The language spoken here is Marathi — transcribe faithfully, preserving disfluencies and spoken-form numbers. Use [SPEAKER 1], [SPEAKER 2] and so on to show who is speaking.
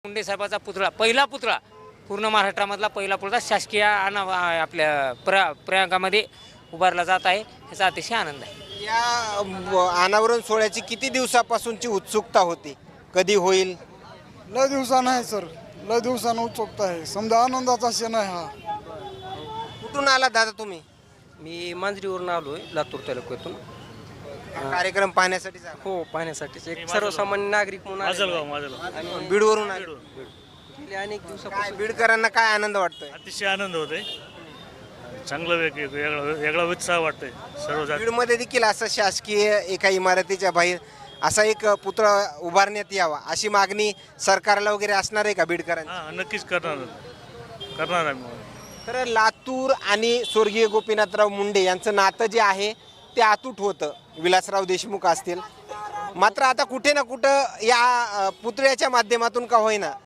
[SPEAKER 1] मुंडे साहेबाचा पुतळा, पहिला पुतळा, पूर्ण महाराष्ट्रामधला पहिला पुतळा शासकीय अना आपल्या प्र प्रयागामध्ये उभारला जात आहे, याचा अतिशय आनंद आहे.
[SPEAKER 2] या ब- अनावरण सोहळ्याची किती दिवसापासूनची उत्सुकता होती, कधी होईल?
[SPEAKER 3] लय दिवसानं आहे सर, लय दिवसानं उत्सुकता आहे. समजा आनंदाचा क्षण आहे हा.
[SPEAKER 2] कुठून आला दादा तुम्ही?
[SPEAKER 4] मी मांजरीवरून आलो आहे, लातूर तालुक्यातून.
[SPEAKER 2] हा कार्यक्रम पाहण्यासाठी झाला.
[SPEAKER 4] हो, पाहण्यासाठीच एक सर्वसामान्य नागरिक म्हणून आलेलो
[SPEAKER 5] माझलगाव
[SPEAKER 4] आहे.
[SPEAKER 5] माझलगाव
[SPEAKER 4] आणि
[SPEAKER 2] बीडवरून आले.
[SPEAKER 4] गेले अनेक
[SPEAKER 2] काय
[SPEAKER 4] दिवसापासून
[SPEAKER 2] बीडकरांना काय आनंद वाटतोय?
[SPEAKER 5] अतिशय आनंद होतोय. चांगलं वेग वेगळा वेगळा उत्साह वाटतोय सर्व जाती.
[SPEAKER 2] बीडमध्ये देखील असं शासकीय एका इमारतीच्या बाहेर असा एक पुतळा उभारण्यात यावा अशी मागणी सरकारला वगैरे असणार आहे का बीडकरांची?
[SPEAKER 5] हां, नक्कीच करणार करणार आम्ही.
[SPEAKER 2] तर लातूर आणि स्वर्गीय गोपीनाथराव मुंडे यांचं नातं जे आहे ते अतूट होतं. विलासराव देशमुख असतील, मात्र आता कुठे ना कुठं या अ, पुतळ्याच्या माध्यमातून का होईना